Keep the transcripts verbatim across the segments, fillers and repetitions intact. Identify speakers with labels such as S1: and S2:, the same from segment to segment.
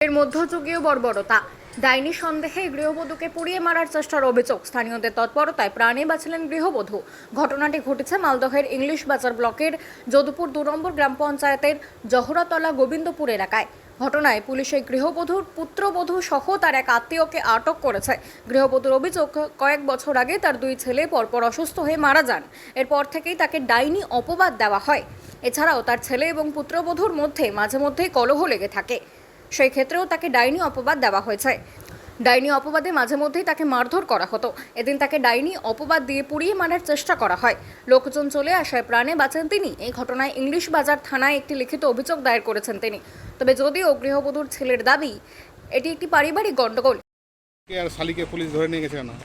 S1: এর মধ্যযুগীয় বর্বরতা ডাইনি সন্দেহে গৃহবধূকে পুড়িয়ে মারার চেষ্টার অভিযোগ। স্থানীয়দের তৎপরতায় প্রাণে বাঁচলেন গৃহবধূ। ঘটনাটি ঘটেছে মালদহের ইংলিশ বাজার ব্লকের যদুপুর দু নম্বর গ্রাম পঞ্চায়েতের জহরাতলা গোবিন্দপুর এলাকায়। ঘটনায় পুলিশ এই গৃহবধূর পুত্রবধূ সহ তার এক আত্মীয়কে আটক করেছে। গৃহবধূর অভিযোগ, কয়েক বছর আগে তার দুই ছেলে পরপর অসুস্থ হয়ে মারা যান। এরপর থেকেই তাকে ডাইনি অপবাদ দেওয়া হয়। এছাড়াও তার ছেলে এবং পুত্রবধূর মধ্যে মাঝে মধ্যেই কলহ লেগে থাকে। সেই ক্ষেত্রেও তাকে ডাইনি অপবাদ দেওয়া হয়েছে। ডাইনি অপবাদে মাঝে মধ্যেই তাকে মারধর করা হতো। এদিন তাকে ডাইনি অপবাদ দিয়ে পুড়িয়ে মারার চেষ্টা করা হয়। লোকজন চলে আসায় প্রাণে বাঁচেন তিনি। এই ঘটনায় ইংলিশ বাজার থানায় একটি লিখিত অভিযোগ দায়ের করেছেন তিনি। তবে যদিও গৃহবধূর ছেলের দাবি এটি একটি পারিবারিক গণ্ডগোল।
S2: আর শালিকে পুলিশ ধরে নিয়ে গেছে কেন?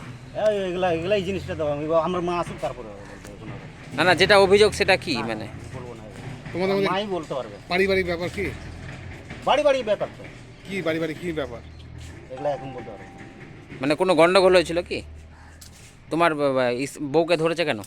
S3: এগুলা এগুলা এই জিনিসটা তো আমি আমার মা আসুক তারপরে
S4: না না যেটা অভিযোগ সেটা কি মানে
S3: বলবো না।
S2: তোমাদের মধ্যে
S3: মাই বলতে পারবে
S2: পারিবারিক ব্যাপার কি?
S3: বাড়ি বাড়ি ব্যাপার তো
S2: কি বাড়ি বাড়ি কি ব্যাপার?
S3: এগুলা এখন বলতে পারবে।
S4: মানে কোনো গন্ডগোল হয়েছিল কি? তোমার বউকে ধরেছে কেন?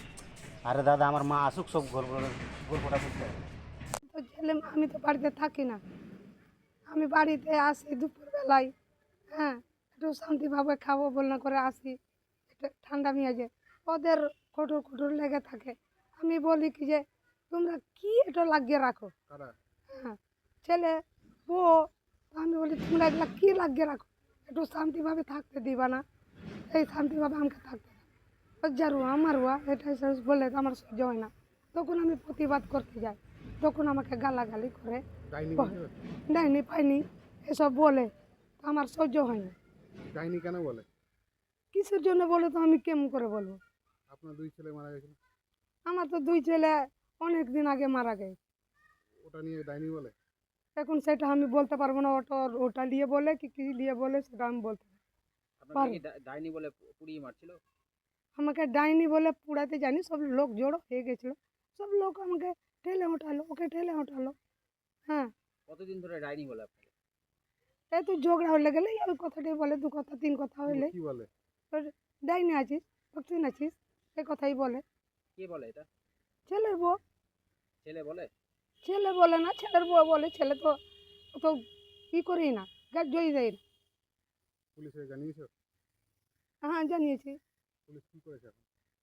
S3: আরে দাদা আমার মা আসুক সব গল্প গল্পটা বুঝতে পারবে।
S5: তো ছেলে আমি তো বাড়িতে থাকি না, আমি বাড়িতে আসি দুপুরবেলায়। হ্যাঁ, একটু শান্তিভাবে খাবো বলনা করে আসি, একটু ঠান্ডা মেয়াজে ওদের কঠোর কঠোর লেগে থাকে। আমি বলি কি যে তোমরা কি এটা লাগিয়ে রাখো। হ্যাঁ, ছেলে বউ, আমি বলি তোমরা এগুলা কী লাগিয়ে রাখো, একটু শান্তিভাবে থাকতে দিবা না? এই শান্তিভাবে আমাকে থাকতে যারু আমার ওয়া এটাই বললে তো আমার সহ্য হয় না। তখন আমি প্রতিবাদ করতে যাই, তখন আমাকে গালাগালি করে, ডাইনি পাইনি এসব বলে, আমার সহ্য হয় না।
S2: ডাইনি কেন বলে?
S5: কিসের জন্য বলে তো আমি কেমন করে বলবো?
S2: আপনার দুই ছেলে মারা গেছিল।
S5: আমার তো দুই ছেলে অনেক দিন আগে মারা গেছে।
S2: ওটা নিয়ে ডাইনি বলে?
S5: এখন সেটা আমি বলতে পারবো না, ওটা ওটা নিয়ে বলে কি কি নিয়ে বলে সেটা আমি বলতে পারবো।
S4: ডাইনি বলে পুড়িয়ে মারছিল?
S5: আমাকে ডাইনি বলে পুড়াতে জানি, সব লোক জড়ো হয়ে গেছিলো, সব লোক আমাকে ঠেলে ওঠালো, ওকে ঠেলে ওঠালো। হ্যাঁ,
S4: কতদিন ধরে ডাইনি বলে আপনাকে?
S5: এই তো ঝগড়া হলে গেলে ওই কথাটাই বলে, দু কথা তিন কথা হইলে
S2: কি বলে?
S5: ডাইনি আছিস, ভক্তি আছিস, এই কথাই বলে।
S4: কে বলে এটা?
S5: ছেলের বউ।
S4: ছেলে বলে?
S5: ছেলে বলে না, ছেলের বউ বলে। ছেলে তো তো ই করেই না, গাছ জয়ী দেয় না।
S2: পুলিশে জানিয়েছো?
S5: হ্যাঁ, জানিয়েছি।
S2: পুলিশ কি করেছে এখন?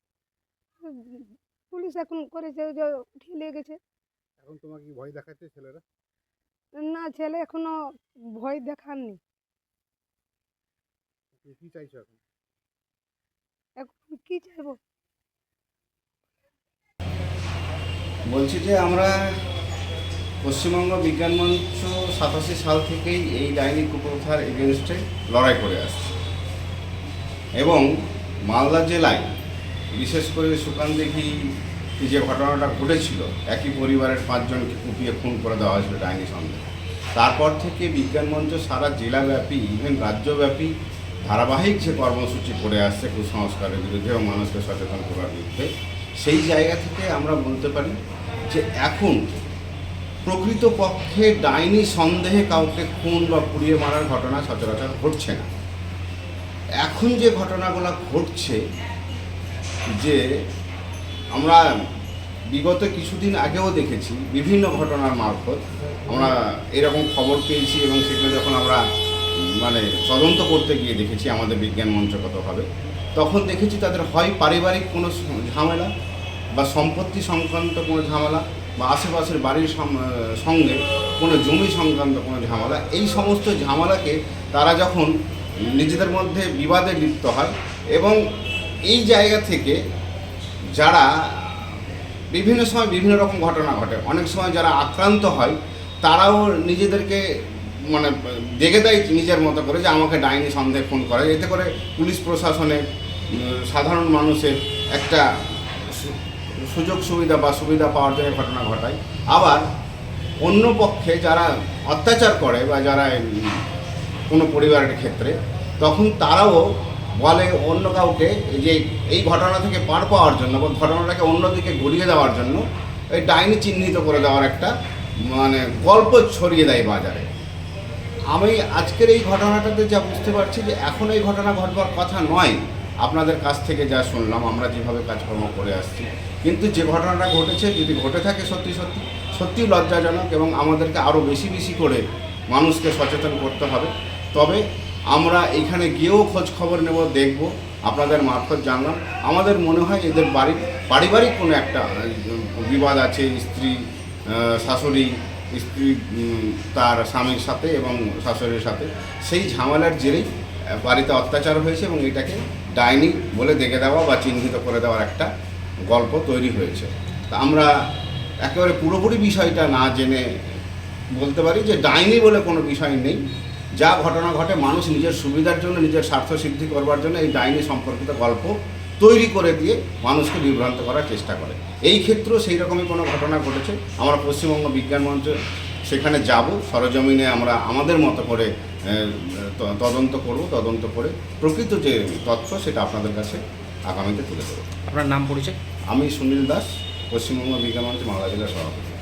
S5: পুলিশ এখন করেছে যে উঠিয়ে নিয়ে গেছে।
S2: এখন তোমাকে কি ভয় দেখাচ্ছে ছেলেরা?
S5: না, ছেলে এখনো ভয় দেখাননি।
S2: তুমি কি চাইছো এখন?
S5: এখন আমি কি চাইবো?
S6: বলছি যে আমরা পশ্চিমবঙ্গ বিজ্ঞান মঞ্চ সাতাশি সাল থেকেই এই ডাইনি কুপ্রথার এগেনস্টে লড়াই করে আসছে এবং মালদা জেলায় বিশেষ করে সুকানদিঘি যে ঘটনাটা ঘটেছিল, একই পরিবারের পাঁচজনকে কুপিয়ে খুন করে দেওয়া হয়েছিল ডাইনি সন্দেহে। তারপর থেকে বিজ্ঞান মঞ্চ সারা জেলাব্যাপী ইভেন রাজ্যব্যাপী ধারাবাহিক যে কর্মসূচি করে আসছে কুসংস্কারের বিরুদ্ধে এবং মানুষকে সচেতন করার বিরুদ্ধে, সেই জায়গা থেকে আমরা বলতে পারি যে এখন প্রকৃতপক্ষে ডাইনি সন্দেহে কাউকে খুন বা পুড়িয়ে মারার ঘটনা সচরাচর ঘটছে না। এখন যে ঘটনাগুলো ঘটছে, যে আমরা বিগত কিছুদিন আগেও দেখেছি বিভিন্ন ঘটনার মারফত আমরা এরকম খবর পেয়েছি এবং সেগুলো যখন আমরা মানে তদন্ত করতে গিয়ে দেখেছি আমাদের বিজ্ঞান মঞ্চগতভাবে, তখন দেখেছি তাদের হয় পারিবারিক কোনো ঝামেলা বা সম্পত্তি সংক্রান্ত কোনো ঝামেলা বা আশেপাশের বাড়ির সঙ্গে কোনো জমি সংক্রান্ত কোনো ঝামেলা, এই সমস্ত ঝামেলাকে তারা যখন নিজেদের মধ্যে বিবাদে লিপ্ত হয় এবং এই জায়গা থেকে যারা বিভিন্ন সময় বিভিন্ন রকম ঘটনা ঘটে, অনেক সময় যারা আক্রান্ত হয় তারাও নিজেদেরকে মানে দেখে দেয় নিজের মতো করে যে আমাকে ডাইনি সন্দেহ খুন করে। এতে করে পুলিশ প্রশাসনে সাধারণ মানুষের একটা সুযোগ সুবিধা বা সুবিধা পাওয়ার জন্য ঘটনা ঘটায়। আবার অন্য পক্ষে যারা অত্যাচার করে বা যারা কোনো পরিবারের ক্ষেত্রে, তখন তারাও বলে অন্য কাউকে যে এই ঘটনা থেকে পার পাওয়ার জন্য বা ঘটনাটাকে অন্যদিকে ঘুরিয়ে দেওয়ার জন্য এই ডাইনি চিহ্নিত করে দেওয়ার একটা মানে গল্প ছড়িয়ে দেয় বাজারে। আমি আজকের এই ঘটনাটাতে যা বুঝতে পারছি যে এখন এই ঘটনা ঘটবার কথা নয়, আপনাদের কাছ থেকে যা শুনলাম, আমরা যেভাবে কাজকর্ম করে আসছি, কিন্তু যে ঘটনাটা ঘটেছে যদি ঘটে থাকে সত্যি সত্যি সত্যিই লজ্জাজনক এবং আমাদেরকে আরও বেশি বেশি করে মানুষকে সচেতন করতে হবে। তবে আমরা এখানে গিয়েও খোঁজ খবর নেব, দেখব, আপনাদের মারফত জানলাম। আমাদের মনে হয় এদের বাড়ির পারিবারিক কোনো একটা আহ, বিবাদ আছে, স্ত্রী আহ, শাশুড়ি স্ত্রী উম, তার স্বামীর সাথে এবং শাশুড়ির সাথে, সেই ঝামেলার জেরেই আহ, বাড়িতে অত্যাচার হয়েছে এবং এটাকে ডাইনি বলে দেখে দেওয়া বা চিহ্নিত করে দেওয়ার একটা গল্প তৈরি হয়েছে। তা আমরা একেবারে পুরোপুরি বিষয়টা না জেনে বলতে পারি যে ডাইনি বলে কোনো বিষয় নেই। যা ঘটনা ঘটে মানুষ নিজের সুবিধার জন্য, নিজের স্বার্থ সিদ্ধি করবার জন্য এই ডাইনি সম্পর্কিত গল্প তৈরি করে দিয়ে মানুষকে বিভ্রান্ত করার চেষ্টা করে। এই ক্ষেত্রেও সেই রকমই কোনো ঘটনা ঘটেছে। আমরা পশ্চিমবঙ্গ বিজ্ঞান মঞ্চ সেখানে যাব, সরজমিনে আমরা আমাদের মতো করে আহ, ত- তদন্ত করব, তদন্ত করে প্রকৃত যে তথ্য সেটা আপনাদের কাছে আগামীতে তুলে দেবো।
S4: আপনার নাম পরিচয়?
S6: আমি সুনীল দাস, পশ্চিমবঙ্গ বিজ্ঞান মঞ্চ মালদা জেলার সভাপতি।